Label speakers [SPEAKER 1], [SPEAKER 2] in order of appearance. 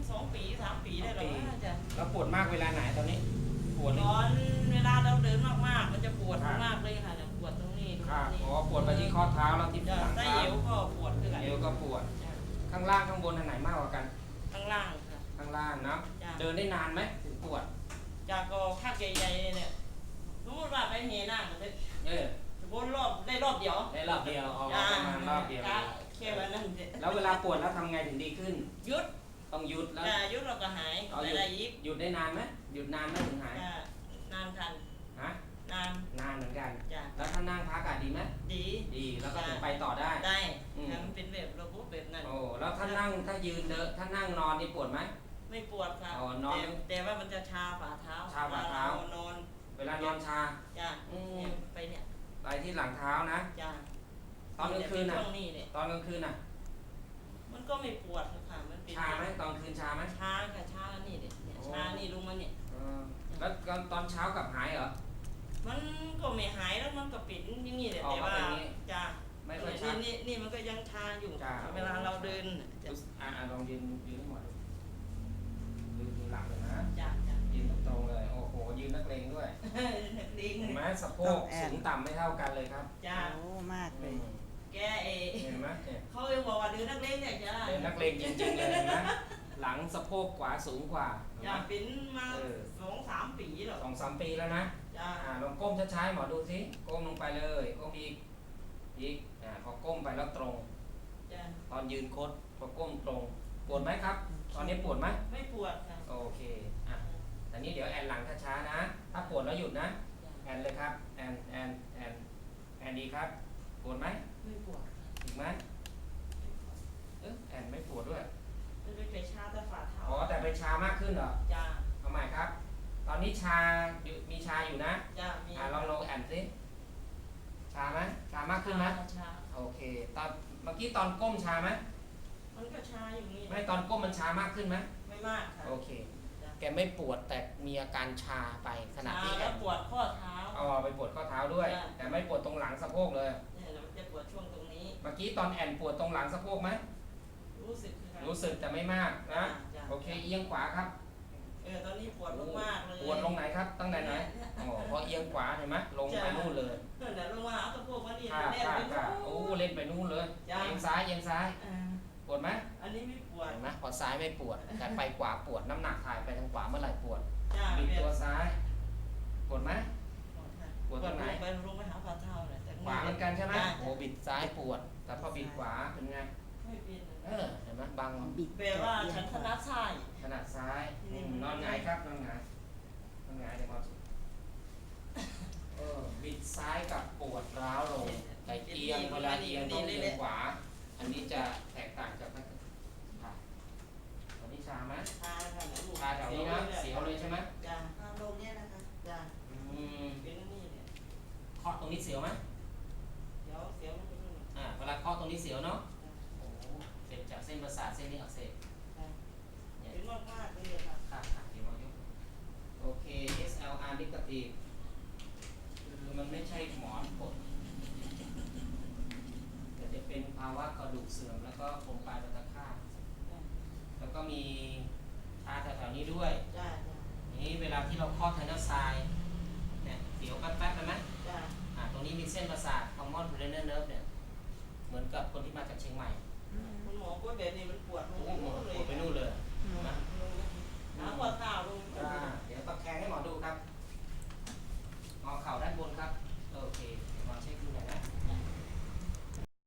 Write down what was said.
[SPEAKER 1] 2 ปี 3 ปีได้หรอจ้ะ
[SPEAKER 2] แล้วปวดมากเวลาไหนตอนนี้ปวด
[SPEAKER 1] ตอนเวลาเราเดินมากๆมันจะปวดมากเลยค่ะปวดตรงนี้
[SPEAKER 2] อ๋อปวดไปที่ข้อเท้าแล้วที่หลังเท้า
[SPEAKER 1] เอวก็ปวดคือกัน
[SPEAKER 2] เอวก็ปวดข้างล่างข้างบนอันไหนมากกว่ากัน
[SPEAKER 1] ข้างล่างค่ะ
[SPEAKER 2] ข้างล่างนะเดินได้นานไหมถึงปวด
[SPEAKER 1] จากก็ข้างใหญ่ๆเนี่ยสมมติว่าไปเฮน่าเลยวนรอบได้รอบเดียว
[SPEAKER 2] ได้รอบเดียวอ๋อประมาณรอบเดียว
[SPEAKER 1] แค่วันนั้น
[SPEAKER 2] แล้วเวลาปวดแล้วทำไงถึงดีขึ้น
[SPEAKER 1] หยุด
[SPEAKER 2] ต้องหยุดแล้ว
[SPEAKER 1] หยุดเราก็หาย
[SPEAKER 2] ได้อีกหยุดได้นานไหมหยุดนานไหมถึงหาย
[SPEAKER 1] นานทัน
[SPEAKER 2] ฮะ
[SPEAKER 1] นาน
[SPEAKER 2] เหมือนกันแล้วถ้านั่งพักดีไหมดีแล้วก็ถึงไปต่อได้
[SPEAKER 1] มันเป็นแบบระบบแบบนั้น
[SPEAKER 2] โอ้แล้วถ้านั่งถ้ายืนเดินถ้านั่งนอนนี่ปวดไหม
[SPEAKER 1] ไม่ปวดครับแต่ว่ามันจะชาฝ่าเท้า
[SPEAKER 2] นอนเวลานอนชา
[SPEAKER 1] ไปเนี่ย
[SPEAKER 2] ไปที่หลังเท้านะตอนกลางคืนน่ะตอนกลางคืนน่ะ
[SPEAKER 1] มันก็ไม่ปวดค่ะมันเป็น
[SPEAKER 2] ชาไหมตอนคืนชาไหม
[SPEAKER 1] ชาค่ะชานี่เนี่ยชานี่ลงมาเนี่ย
[SPEAKER 2] แล้วตอนเช้ากลับหายเหรอ
[SPEAKER 1] มันก็ไม่หายแล้วมันก็ปิดอย่างนี้เลยแต่ว่าจ้า
[SPEAKER 2] ไม่ค่อยชา
[SPEAKER 1] นี่มันก็ยังชาอยู่เวลาเราเดิน
[SPEAKER 2] ลองยืนให้หมดดูหลังเลยนะ
[SPEAKER 1] จ้า
[SPEAKER 2] ยืนตรงเลยโอ้โหยืนนักเลงด้วยเห็นไหมสะโพกสูงต่ำไม่เท่ากันเลยครับ
[SPEAKER 1] จ้า
[SPEAKER 3] โอ้มากเลย
[SPEAKER 1] แก
[SPEAKER 2] เห็นไหม
[SPEAKER 1] เขาเลยบอกว่าเดินนักเลงเนี่ยจ้า
[SPEAKER 2] เดินนักเลงจริงๆเลยนะหลังสะโพกขวาสูงกว่า
[SPEAKER 1] จ้าปิ้นมา2-3 ปีหรอ
[SPEAKER 2] 2-3 ปีแล้วนะลองก้มช้าๆหมอดูสิก้มลงไปเลยก้มอีกพอก้มไปแล้วตรงตอนยืนโคดพอก้มตรงปวดไหมครับตอนนี้ปวดไหม
[SPEAKER 1] ไม่ปวดค่ะ
[SPEAKER 2] โอเคตอนนี้เดี๋ยวแอนหลังช้าๆนะถ้าปวดแล้วหยุดนะแอนเลยครับแอนดีครับปวดไหม
[SPEAKER 1] ไม่ปวด
[SPEAKER 2] อีกไหมแอนไม่ปวดด้วย
[SPEAKER 1] มันไปชาแต่ฝ่าเท้า
[SPEAKER 2] แต่ไปชามากขึ้นเหรอ
[SPEAKER 1] จ้า
[SPEAKER 2] ทำไมครับ ตอนนี้มีชาอยู่นะ
[SPEAKER 1] จ้ามี
[SPEAKER 2] ลองแอนสิชาไหมชามากขึ้นไหม
[SPEAKER 1] ชา
[SPEAKER 2] โอเคตอนเมื่อกี้ตอนก้มชาไหม
[SPEAKER 1] มันก็ชาอยู่นี่
[SPEAKER 2] ไม่ตอนก้มมันชามากขึ้นไหม
[SPEAKER 1] ไม่มากค่ะ
[SPEAKER 2] โอเคแกไม่ปวดแต่มีอาการชาไปขณะที่
[SPEAKER 1] แล้วปวดข้อเท้า
[SPEAKER 2] ไปปวดข้อเท้าด้วยแต่ไม่ปวดตรงหลังสะโพกเลย
[SPEAKER 1] จะปวดช่วงตรงนี้
[SPEAKER 2] เมื่อกี้ตอนแอนปวดตรงหลังสะโพกไหมรู้สึกแต่ไม่มากนะโอเคเอียงขวาครับ
[SPEAKER 1] ตอนนี้ปวดมากเลย
[SPEAKER 2] ปวดลงไหนครับตั้งแต่ไหนพอเอียงขวาเห็นไหมลงไปนู่นเลย
[SPEAKER 1] ลงมาเอาสะโพกมาดิ
[SPEAKER 2] เล่นไปนู่นเล่นไปนู่นเลยเอียงซ้ายปวดไหม
[SPEAKER 1] อันนี้ไม่ปวด
[SPEAKER 2] เห็นไหมพอซ้ายไม่ปวดแต่ไปขวาปวดน้ำหนักถ่ายไปทางขวาเมื่อไหร่ปวดบิดตัวซ้ายปวดไหมปวดตรงไหน
[SPEAKER 1] ไปลงไปหาฝ่าเท้าเลย
[SPEAKER 2] ขวาเหมือนกันใช่ไหมบิดซ้ายปวดแต่พอบิดขวาเป็นไง
[SPEAKER 1] ไม่เป็น
[SPEAKER 2] เห็นไหมบาง
[SPEAKER 1] แปลว่าฉันถนัดซ้าย
[SPEAKER 2] นอนหงายครับนอนหงายเดี๋ยวมาบิดซ้ายกับปวดร้าวลงแต่เอียงเวลาเอียงต้องเอียงขวาอันนี้จะแตกต่างจากนักตอนนี้ชาไหมชาแถวนี้นะเสียวเลยใช่ไหม
[SPEAKER 1] จ้าลงเนี่ยนะคะจ้าเป็นนี่เนี่ย
[SPEAKER 2] เคาะตรงนี้เสียวไหม
[SPEAKER 1] เสียว
[SPEAKER 2] เวลาเคาะตรงนี้เสียวเนาะเสร็จจากเส้นประสาทเส้นนี้อักเสบ
[SPEAKER 1] เป็นมากเลย
[SPEAKER 2] ค่ะเดี๋ยวมายกโอเค SLR นิกตีคือมันไม่ใช่หมอนกดแต่จะเป็นภาวะกระดูกเสื่อมแล้วก็โครงปลายตะขาบแล้วก็มีชาแถวๆนี้ด้วยนี้เวลาที่เราเคาะไทนัสไซเนี่ยเดี๋ยวแป๊บๆไปไหมตรงนี้มีเส้นประสาท common cranial nerve เนี่ยเหมือนกับคนที่มาจากเชียงใหม่
[SPEAKER 1] คุณหมอก็แบบนี้มันปวดหัว